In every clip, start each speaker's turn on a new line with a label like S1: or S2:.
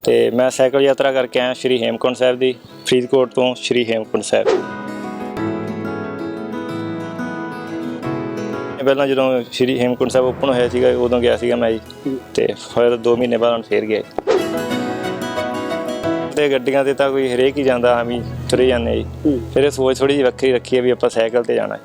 S1: ਤੇ ਮੈਂ ਸਾਈਕਲ ਯਾਤਰਾ ਕਰਕੇ ਆਇਆ ਸ਼੍ਰੀ ਹੇਮਕੁੰਟ ਸਾਹਿਬ ਦੀ, ਫਰੀਦਕੋਟ ਤੋਂ ਸ਼੍ਰੀ ਹੇਮਕੁੰਟ ਸਾਹਿਬ। ਪਹਿਲਾਂ ਜਦੋਂ ਸ਼੍ਰੀ ਹੇਮਕੁੰਟ ਸਾਹਿਬ ਓਪਨ ਹੋਇਆ ਸੀਗਾ ਉਦੋਂ ਗਿਆ ਸੀਗਾ ਮੈਂ ਜੀ, ਤੇ ਫਿਰ 2 ਮਹੀਨੇ ਬਾਅਦ ਹੁਣ ਫੇਰ ਗਿਆ। ਤੇ ਗੱਡੀਆਂ ਤੇ ਤਾਂ ਕੋਈ ਹਰੇਕ ਹੀ ਜਾਂਦਾ, ਆਮ ਹੀ ਤੁਰੇ ਜਾਂਦੇ ਜੀ। ਫਿਰ ਇਹ ਸੋਚ ਥੋੜੀ ਜਿਹੀ ਵੱਖਰੀ ਰੱਖੀ ਹੈ ਵੀ ਆਪਾਂ ਸਾਈਕਲ ਤੇ ਜਾਣਾ।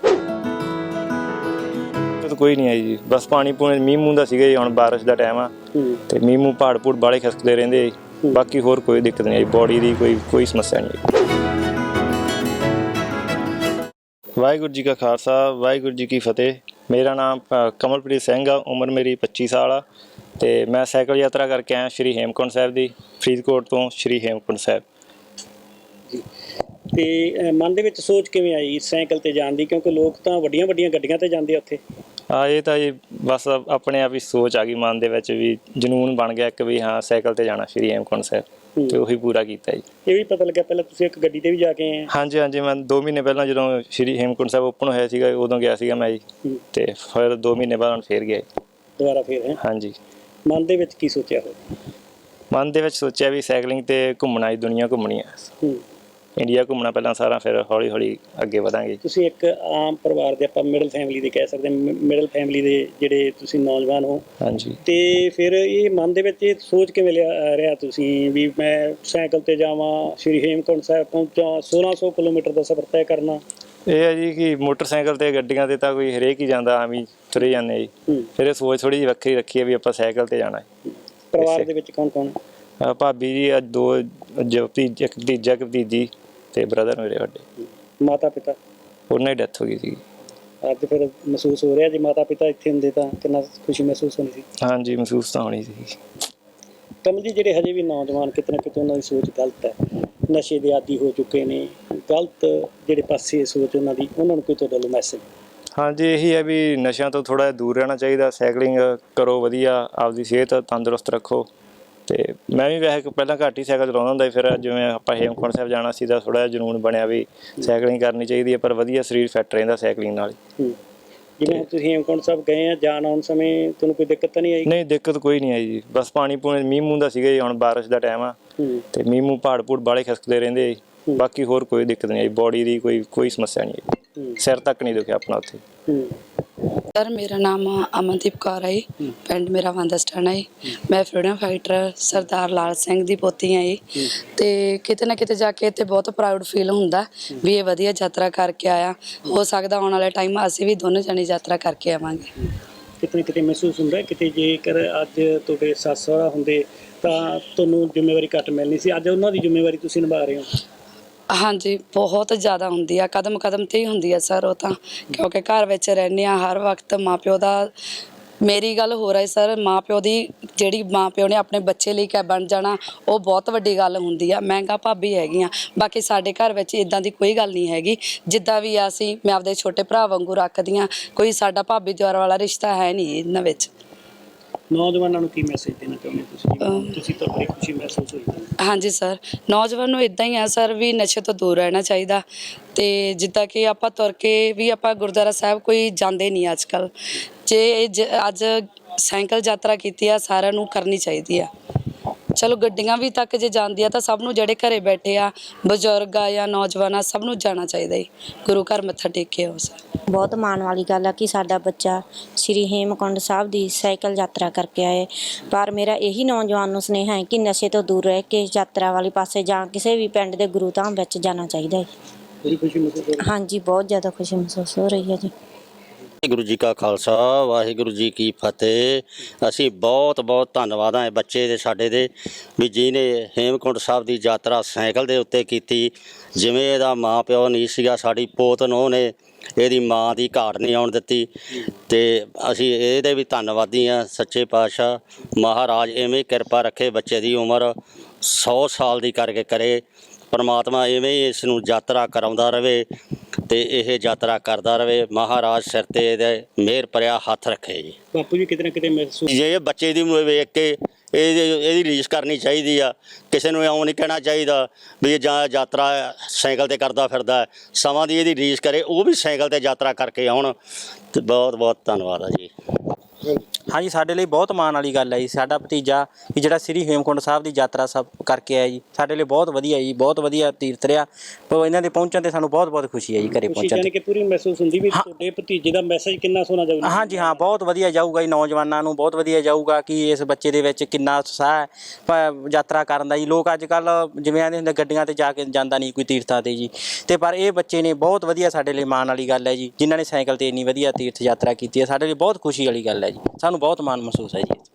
S1: ਕੋਈ ਨਹੀਂ ਆਈ ਜੀ, ਬਸ ਪਾਣੀ ਪੂਣੀ ਮੀਂਹ ਮੂੰਹ ਦਾ ਸੀਗਾ ਜੀ। ਹੁਣ ਬਾਰਿਸ਼ ਦਾ ਟਾਈਮ ਆ ਤੇ ਮੀਂਹ ਮੂੰਹ ਪਹਾੜ ਪੂੜ ਬਾਲੇ ਖਿਸਕਦੇ ਰਹਿੰਦੇ ਜੀ। ਬਾਕੀ ਹੋਰ ਕੋਈ ਦਿੱਕਤ ਨਹੀਂ ਆਈ, ਬੋਡੀ ਦੀ ਕੋਈ ਸਮੱਸਿਆ ਨਹੀਂ ਆਈ। ਵਾਹਿਗੁਰੂ ਜੀ ਕਾ ਖਾਲਸਾ, ਵਾਹਿਗੁਰੂ ਜੀ ਕੀ ਫਤਿਹ। ਮੇਰਾ ਨਾਮ ਕਮਲਪ੍ਰੀਤ ਸਿੰਘ ਆ, ਉਮਰ ਮੇਰੀ 25 ਸਾਲ ਆ ਤੇ ਮੈਂ ਸਾਈਕਲ ਯਾਤਰਾ ਕਰਕੇ ਆਇਆ ਸ਼੍ਰੀ ਹੇਮਕੁੰਟ ਸਾਹਿਬ ਦੀ, ਫਰੀਦਕੋਟ ਤੋਂ ਸ਼੍ਰੀ ਹੇਮਕੁੰਟ ਸਾਹਿਬ।
S2: ਤੇ ਮਨ ਦੇ ਵਿੱਚ ਸੋਚ ਕਿਵੇਂ ਆਈ ਸਾਈਕਲ ਤੇ ਜਾਣ ਦੀ? ਕਿਉਂਕਿ ਲੋਕ ਤਾਂ ਵੱਡੀਆਂ ਗੱਡੀਆਂ ਤੇ ਜਾਂਦੇ ਆ ਉੱਥੇ।
S1: ਹਾਂ, ਇਹ ਤਾਂ ਜੀ ਬਸ ਆਪਣੇ ਆਪ ਹੀ ਸੋਚ ਆ ਗਈ ਮਨ ਦੇ ਵਿੱਚ, ਵੀ ਜਨੂਨ ਬਣ ਗਿਆ ਇੱਕ ਵੀ ਹਾਂ ਸਾਈਕਲ ਤੇ ਜਾਣਾ ਸ਼੍ਰੀ ਹੇਮਕੁੰਟ ਸਾਹਿਬ, ਤੇ ਉਹੀ ਪੂਰਾ ਕੀਤਾ ਜੀ। ਇਹ
S2: ਵੀ ਪਤਾ ਲੱਗਿਆ ਪਹਿਲਾਂ ਤੁਸੀਂ ਇੱਕ ਗੱਡੀ ਤੇ ਵੀ ਜਾ ਕੇ ਆਏ?
S1: ਹਾਂਜੀ, ਮੈਂ 2 ਮਹੀਨੇ ਪਹਿਲਾਂ ਜਦੋਂ ਸ਼੍ਰੀ ਹੇਮਕੁੰਟ ਸਾਹਿਬ ਓਪਨ ਹੋਇਆ ਸੀਗਾ ਉਦੋਂ ਗਿਆ ਸੀਗਾ ਮੈਂ ਜੀ, ਤੇ ਫਿਰ 2 ਮਹੀਨੇ ਬਾਅਦ ਹੁਣ ਫੇਰ ਗਿਆ
S2: ਦੁਬਾਰਾ ਫੇਰ। ਹਾਂਜੀ, ਮਨ ਦੇ ਵਿੱਚ ਕੀ ਸੋਚਿਆ ਹੋਇਆ?
S1: ਮਨ ਦੇ ਵਿੱਚ ਸੋਚਿਆ ਵੀ ਸਾਈਕਲਿੰਗ ਤੇ ਘੁੰਮਣਾ ਜੀ, ਦੁਨੀਆ ਘੁੰਮਣੀ ਆ, ਇੰਡੀਆ ਘੁੰਮਣਾ ਪਹਿਲਾਂ ਸਾਰਾ, ਫਿਰ ਹੌਲੀ ਹੌਲੀ ਅੱਗੇ ਵਧਾਂਗੇ। ਤੁਸੀਂ ਇੱਕ
S2: ਆਮ ਪਰਿਵਾਰ ਦੇ, ਆਪਾਂ ਮਿਡਲ ਫੈਮਿਲੀ ਦੇ ਕਹਿ ਸਕਦੇ, ਮਿਡਲ ਫੈਮਿਲੀ ਦੇ ਜਿਹੜੇ ਤੁਸੀਂ ਨੌਜਵਾਨ ਹੋ।
S1: ਹਾਂਜੀ,
S2: ਤੇ ਫਿਰ ਇਹ ਮਨ ਦੇ ਵਿੱਚ ਇਹ ਸੋਚ ਕਿਵੇਂ ਰਿਹਾ ਤੁਸੀਂ ਵੀ ਮੈਂ ਸਾਈਕਲ ਤੇ ਜਾਵਾਂ, ਸ਼੍ਰੀ ਹੇਮਕੁੰਟ ਸਾਹਿਬ ਪਹੁੰਚਾਂ, 1600 ਕਿਲੋਮੀਟਰ ਦਾ ਸਫ਼ਰ ਤੈਅ ਕਰਨਾ? ਇਹ
S1: ਹੈ ਜੀ ਕਿ ਮੋਟਰਸਾਈਕਲ ਤੇ ਗੱਡੀਆਂ ਤੇ ਤਾਂ ਕੋਈ ਹਰੇਕ ਹੀ ਜਾਂਦਾ, ਆਮ ਹੀ ਤੁਰੇ ਜਾਂਦੇ ਜੀ। ਫਿਰ ਇਹ ਸੋਚ ਥੋੜੀ ਜਿਹੀ ਵੱਖਰੀ ਰੱਖੀ ਹੈ ਵੀ ਆਪਾਂ ਸਾਈਕਲ ਤੇ ਜਾਣਾ।
S2: ਪਰਿਵਾਰ ਦੇ ਵਿੱਚ ਕੌਣ ਕੌਣ?
S1: ਭਾਬੀ ਜੀ, ਅੱਜ 2 ਇੱਕ ਭਤੀਜਾ ਇੱਕ ਭਤੀਜੀ ਤੇ ਬ੍ਰਦਰ ਮੇਰੇ ਵੱਡੇ।
S2: ਮਾਤਾ ਪਿਤਾ? ਉਹਨਾਂ
S1: ਦੀ ਡੈਥ ਹੋ ਗਈ ਸੀ।
S2: ਅੱਜ ਫਿਰ ਮਹਿਸੂਸ ਹੋ ਰਿਹਾ ਜੇ ਮਾਤਾ ਪਿਤਾ ਇੱਥੇ ਹੁੰਦੇ ਤਾਂ ਕਿੰਨਾ ਖੁਸ਼ੀ ਮਹਿਸੂਸ ਹੋਣੀ ਸੀ?
S1: ਹਾਂਜੀ, ਮਹਿਸੂਸ ਤਾਂ ਹੋਣੀ ਸੀ।
S2: ਕਮਲ ਜੀ, ਜਿਹੜੇ ਹਜੇ ਵੀ ਨੌਜਵਾਨ ਕਿਤੇ ਨਾ ਕਿਤੇ ਉਹਨਾਂ ਦੀ ਸੋਚ ਗਲਤ ਹੈ, ਨਸ਼ੇ ਦੇ ਆਦੀ ਹੋ ਚੁੱਕੇ ਨੇ, ਗਲਤ ਜਿਹੜੇ ਪਾਸੇ ਸੋਚ ਉਹਨਾਂ ਦੀ, ਉਹਨਾਂ ਨੂੰ ਕੋਈ ਤੁਹਾਡਾ ਵੱਲੋਂ ਮੈਸੇਜ? ਹਾਂਜੀ,
S1: ਇਹੀ ਹੈ ਵੀ ਨਸ਼ਿਆਂ ਤੋਂ ਥੋੜ੍ਹਾ ਜਿਹਾ ਦੂਰ ਰਹਿਣਾ ਚਾਹੀਦਾ, ਸਾਈਕਲਿੰਗ ਕਰੋ ਵਧੀਆ, ਆਪਦੀ ਸਿਹਤ ਤੰਦਰੁਸਤ ਰੱਖੋ। ਤੇ ਮੈਂ ਵੀ ਵੈਸੇ ਪਹਿਲਾਂ ਘੱਟ ਹੀ ਸਾਈਕਲ ਚਲਾਉਂਦਾ ਹੁੰਦਾ ਸੀ, ਫਿਰ ਜਿਵੇਂ ਆਪਾਂ ਹੇਮਕੁੰਟ ਸਾਹਿਬ ਜਾਣਾ ਸੀ ਤਾਂ ਥੋੜ੍ਹਾ ਜਿਹਾ ਜਨੂਨ ਬਣਿਆ ਵੀ ਸਾਈਕਲਿੰਗ ਕਰਨੀ ਚਾਹੀਦੀ ਹੈ, ਪਰ ਵਧੀਆ ਸਰੀਰ ਫਿੱਟ ਰਹਿੰਦਾ ਸਾਈਕਲਿੰਗ ਨਾਲ।
S2: ਜਿਵੇਂ ਤੁਸੀਂ ਹੇਮਕੁੰਟ ਸਾਹਿਬ ਗਏ ਆ, ਜਾਣ ਆਉਣ ਸਮੇਂ ਤੁਹਾਨੂੰ ਕੋਈ ਦਿੱਕਤ ਤਾਂ ਨਹੀਂ ਆਈ? ਨਹੀਂ,
S1: ਦਿੱਕਤ ਕੋਈ ਨਹੀਂ ਆਈ ਜੀ, ਬਸ ਪਾਣੀ ਪੂਣੀ ਮੀਂਹ ਮੂੰਹ ਦਾ ਸੀਗਾ ਜੀ। ਹੁਣ ਬਾਰਿਸ਼ ਦਾ ਟਾਈਮ ਆ ਤੇ ਮੀਂਹ ਮੂੰਹ ਪਹਾੜ ਪੂੜ ਬਾਲੇ ਖਿਸਕਦੇ ਰਹਿੰਦੇ ਜੀ। ਬਾਕੀ ਹੋਰ ਕੋਈ ਦਿੱਕਤ ਨਹੀਂ ਆਈ, ਬੋਡੀ ਦੀ ਕੋਈ ਸਮੱਸਿਆ ਨਹੀਂ ਆਈ, ਸਿਰ ਤੱਕ ਨਹੀਂ ਦੁਖਿਆ ਆਪਣਾ ਉੱਥੇ।
S3: ਸਰ, ਮੇਰਾ ਨਾਮ ਅਮਨਦੀਪ ਕੌਰ ਹੈ, ਪਿੰਡ ਮੇਰਾ ਵੰਦਸਟਾਣਾ ਹੈ। ਮੈਂ ਫਰੀडम ਫਾਈਟਰ ਸਰਦਾਰ ਲਾਲ ਸਿੰਘ ਦੀ ਪੋਤੀ ਹਾਂ ਜੀ। ਤੇ ਕਿਤੇ ਨਾ ਕਿਤੇ ਜਾ ਕੇ ਇੱਥੇ ਬਹੁਤ ਪ੍ਰਾਊਡ ਫੀਲ ਹੁੰਦਾ ਵੀ ਇਹ ਵਧੀਆ ਯਾਤਰਾ ਕਰਕੇ ਆਇਆ। ਹੋ ਸਕਦਾ ਆਉਣ ਵਾਲੇ ਟਾਈਮ ਅਸੀਂ ਵੀ ਦੋਨੋਂ ਜਣੇ ਯਾਤਰਾ ਕਰਕੇ ਆਵਾਂਗੇ।
S2: ਕਿਤੇ ਨਾ ਕਿਤੇ ਮਹਿਸੂਸ ਹੁੰਦਾ ਕਿਤੇ ਜੇਕਰ ਅੱਜ ਤੁਹਾਡੇ ਸੱਸ ਸਹੁਰਾ ਹੁੰਦੇ ਤਾਂ ਤੁਹਾਨੂੰ ਜ਼ਿੰਮੇਵਾਰੀ ਘੱਟ ਮਿਲਣੀ ਸੀ, ਅੱਜ ਉਹਨਾਂ ਦੀ ਜ਼ਿੰਮੇਵਾਰੀ ਤੁਸੀਂ ਨਿਭਾ ਰਹੇ ਹੋ?
S3: ਹਾਂਜੀ, ਬਹੁਤ ਜ਼ਿਆਦਾ ਹੁੰਦੀ ਆ, ਕਦਮ ਕਦਮ 'ਤੇ ਹੀ ਹੁੰਦੀ ਆ ਸਰ ਉਹ ਤਾਂ, ਕਿਉਂਕਿ ਘਰ ਵਿੱਚ ਰਹਿੰਦੇ ਹਾਂ ਹਰ ਵਕਤ। ਮਾਂ ਪਿਓ ਦਾ, ਮੇਰੀ ਗੱਲ ਹੋ ਰਹੀ ਸਰ, ਮਾਂ ਪਿਓ ਦੀ ਜਿਹੜੀ ਮਾਂ ਪਿਓ ਨੇ ਆਪਣੇ ਬੱਚੇ ਲਈ ਕਿਆ ਬਣ ਜਾਣਾ, ਉਹ ਬਹੁਤ ਵੱਡੀ ਗੱਲ ਹੁੰਦੀ ਆ। ਮਹਿੰਗਾ ਭਾਬੀ ਹੈਗੀ ਆ, ਬਾਕੀ ਸਾਡੇ ਘਰ ਵਿੱਚ ਇੱਦਾਂ ਦੀ ਕੋਈ ਗੱਲ ਨਹੀਂ ਹੈਗੀ। ਜਿੱਦਾਂ ਵੀ ਆ ਅਸੀਂ, ਮੈਂ ਆਪਦੇ ਛੋਟੇ ਭਰਾ ਵਾਂਗੂ ਰੱਖਦੀ ਹਾਂ, ਕੋਈ ਸਾਡਾ ਭਾਬੀ ਦਿਓਰ ਵਾਲਾ ਰਿਸ਼ਤਾ ਹੈ ਨਹੀਂ ਇਹਨਾਂ ਵਿੱਚ।
S2: ਨੌਜਵਾਨਾਂ ਨੂੰ ਕੀ ਮੈਸੇਜ ਦੇਣਾ ਚਾਹੁੰਦੇ ਤੁਸੀਂ ਤਾਂ ਬੜੀ ਖੁਸ਼ੀ ਮਹਿਸੂਸ ਹੋਈ? ਹਾਂਜੀ
S3: ਸਰ, ਨੌਜਵਾਨ ਨੂੰ ਇੱਦਾਂ ਹੀ ਆ ਸਰ ਵੀ ਨਸ਼ੇ ਤੋਂ ਦੂਰ ਰਹਿਣਾ ਚਾਹੀਦਾ। ਤੇ ਜਿੱਦਾਂ ਕਿ ਆਪਾਂ ਤੁਰ ਕੇ ਵੀ ਆਪਾਂ ਗੁਰਦੁਆਰਾ ਸਾਹਿਬ ਕੋਈ ਜਾਂਦੇ ਨਹੀਂ ਅੱਜ ਕੱਲ੍ਹ, ਜੇ ਅੱਜ ਸਾਈਕਲ ਯਾਤਰਾ ਕੀਤੀ ਆ ਸਾਰਿਆਂ ਨੂੰ ਕਰਨੀ ਚਾਹੀਦੀ ਆ। ਚਲੋ ਗੱਡੀਆਂ ਵੀ ਤੱਕ ਜੇ ਜਾਂਦੀ ਆ ਤਾਂ ਸਭ ਨੂੰ, ਜਿਹੜੇ ਘਰੇ ਬੈਠੇ ਆ ਬਜ਼ੁਰਗ ਆ ਜਾਂ ਨੌਜਵਾਨ ਆ, ਸਭ ਨੂੰ ਜਾਣਾ ਚਾਹੀਦਾ ਜੀ, ਗੁਰੂ ਘਰ ਮੱਥਾ ਟੇਕ ਕੇ ਆਓ ਸਰ।
S4: ਬਹੁਤ ਮਾਣ ਵਾਲੀ ਗੱਲ ਆ ਕਿ ਸਾਡਾ ਬੱਚਾ ਸ਼੍ਰੀ ਹੇਮਕੁੰਟ ਸਾਹਿਬ ਦੀ ਸਾਈਕਲ ਯਾਤਰਾ ਕਰਕੇ ਆਏ। ਪਰ ਮੇਰਾ ਇਹੀ ਨੌਜਵਾਨ ਨੂੰ ਸੁਨੇਹਾ ਹੈ ਕਿ ਨਸ਼ੇ ਤੋਂ ਦੂਰ ਰਹਿ ਕੇ ਯਾਤਰਾ ਵਾਲੇ ਪਾਸੇ ਜਾਂ ਕਿਸੇ ਵੀ ਪਿੰਡ ਦੇ ਗੁਰੂ ਧਾਮ ਵਿੱਚ ਜਾਣਾ ਚਾਹੀਦਾ ਹੈ।
S2: ਬੜੀ ਖੁਸ਼ੀ ਮਹਿਸੂਸ ਹੋ ਰਹੀ?
S4: ਹਾਂਜੀ, ਬਹੁਤ ਜ਼ਿਆਦਾ ਖੁਸ਼ੀ ਮਹਿਸੂਸ ਹੋ ਰਹੀ ਹੈ ਜੀ।
S5: ਵਾਹਿਗੁਰੂ ਜੀ ਕਾ ਖਾਲਸਾ, ਵਾਹਿਗੁਰੂ ਜੀ ਕੀ ਫਤਿਹ। ਅਸੀਂ ਬਹੁਤ ਧੰਨਵਾਦ ਹਾਂ ਬੱਚੇ ਦੇ, ਸਾਡੇ ਦੇ, ਵੀ ਜਿਹਨੇ ਹੇਮਕੁੰਟ ਸਾਹਿਬ ਦੀ ਯਾਤਰਾ ਸਾਈਕਲ ਦੇ ਉੱਤੇ ਕੀਤੀ। ਜਿਵੇਂ ਇਹਦਾ ਮਾਂ ਪਿਓ ਨਹੀਂ ਸੀਗਾ, ਸਾਡੀ ਪੋਤ ਨੂੰ ਨੇ ਇਹਦੀ ਮਾਂ ਦੀ ਘਾਟ ਨਹੀਂ ਆਉਣ ਦਿੱਤੀ, ਤੇ ਅਸੀਂ ਇਹਦੇ ਵੀ ਧੰਨਵਾਦੀ ਹਾਂ। ਸੱਚੇ ਪਾਤਸ਼ਾਹ ਮਹਾਰਾਜ ਐਵੇਂ ਕਿਰਪਾ ਰੱਖੇ, ਬੱਚੇ ਦੀ ਉਮਰ 100 ਸਾਲ ਦੀ ਕਰਕੇ ਕਰੇ। ਪਰਮਾਤਮਾ ਐਵੇਂ ਹੀ ਇਸ ਨੂੰ ਯਾਤਰਾ ਕਰਾਉਂਦਾ ਰਹੇ ਤੇ ਇਹ ਯਾਤਰਾ ਕਰਦਾ ਰਹੇ। ਮਹਾਰਾਜ ਸਿਰ ਤੇ ਇਹਦੇ ਮਿਹਰ ਭਰਿਆ ਹੱਥ ਰੱਖੇ ਜੀ।
S2: ਬਾਪੂ ਜੀ, ਕਿਤੇ ਨਾ ਕਿਤੇ ਮਹਿਸੂਸ,
S5: ਜੇ ਬੱਚੇ ਦੀ ਵੇਖ ਕੇ ਇਹਦੀ ਰੀਸ ਕਰਨੀ ਚਾਹੀਦੀ ਆ। ਕਿਸੇ ਨੂੰ ਇਉਂ ਨਹੀਂ ਕਹਿਣਾ ਚਾਹੀਦਾ ਵੀ ਜਾਂ ਯਾਤਰਾ ਸਾਈਕਲ ਤੇ ਕਰਦਾ ਫਿਰਦਾ, ਸਮਾਂ ਦੀ ਇਹਦੀ ਰੀਸ ਕਰੇ, ਉਹ ਵੀ ਸਾਈਕਲ ਤੇ ਯਾਤਰਾ ਕਰਕੇ ਆਉਣ। ਤੇ ਬਹੁਤ ਧੰਨਵਾਦ ਆ ਜੀ।
S6: ਹਾਂਜੀ, ਸਾਡੇ ਲਈ ਬਹੁਤ ਮਾਣ ਵਾਲੀ ਗੱਲ ਹੈ ਜੀ। ਸਾਡਾ ਭਤੀਜਾ ਵੀ ਜਿਹੜਾ ਸ੍ਰੀ ਹੇਮਕੁੰਟ ਸਾਹਿਬ ਦੀ ਯਾਤਰਾ ਸਭ ਕਰਕੇ ਆਇਆ ਜੀ, ਸਾਡੇ ਲਈ ਬਹੁਤ ਵਧੀਆ ਜੀ, ਬਹੁਤ ਵਧੀਆ ਤੀਰਥ ਰਿਹਾ। ਪਰ ਇਹਨਾਂ ਦੇ ਪਹੁੰਚਣ ਤੇ ਸਾਨੂੰ ਬਹੁਤ ਬਹੁਤ ਖੁਸ਼ੀ ਹੈ ਜੀ, ਘਰੇ
S2: ਖੁਸ਼ੀ
S6: ਪਹੁੰਚਣ
S2: ਜਾਨੀ
S6: ਤੇ।
S2: ਕਿ ਪੂਰੀ ਮਹਿਸੂਸ ਹੁੰਦੀ ਵੀ ਤੁਹਾਡੇ ਭਤੀਜੇ ਦਾ ਮੈਸੇਜ ਕਿੰਨਾ ਸੋਹਣਾ ਜਾਊਗਾ।
S6: ਹਾਂਜੀ ਹਾਂ, ਬਹੁਤ ਵਧੀਆ ਜਾਊਗਾ ਜੀ, ਨੌਜਵਾਨਾਂ ਨੂੰ ਬਹੁਤ ਵਧੀਆ ਜਾਊਗਾ ਕਿ ਇਸ ਬੱਚੇ ਦੇ ਵਿੱਚ ਕਿੰਨਾ ਉਤਸ਼ਾਹ ਹੈ ਯਾਤਰਾ ਕਰਨ ਦਾ ਜੀ। ਲੋਕ ਅੱਜ ਕੱਲ੍ਹ ਜਿਵੇਂ ਆਂਦੇ ਹੁੰਦੇ ਗੱਡੀਆਂ ਤੇ ਜਾ ਕੇ ਜਾਂਦਾ ਨਹੀਂ ਕੋਈ ਤੀਰਥਾਂ ਤੇ ਜੀ, ਤੇ ਪਰ ਇਹ ਬੱਚੇ ਨੇ ਬਹੁਤ ਵਧੀਆ, ਸਾਡੇ ਲਈ ਮਾਣ ਵਾਲੀ ਗੱਲ ਹੈ ਜੀ, ਜਿਨ੍ਹਾਂ ਨੇ ਸਾਈਕਲ ਤੇ ਇੰਨੀ ਵਧੀਆ ਤੀਰਥ ਯਾਤਰਾ ਕੀਤੀ ਹੈ। ਸਾਡੇ ਲਈ ਬਹੁਤ ਖੁਸ਼ੀ ਵਾਲੀ ਗੱਲ ਹੈ ਜੀ, ਸਾਨੂੰ ਬਹੁਤ ਮਾਣ ਮਹਿਸੂਸ ਹੈ ਜੀ।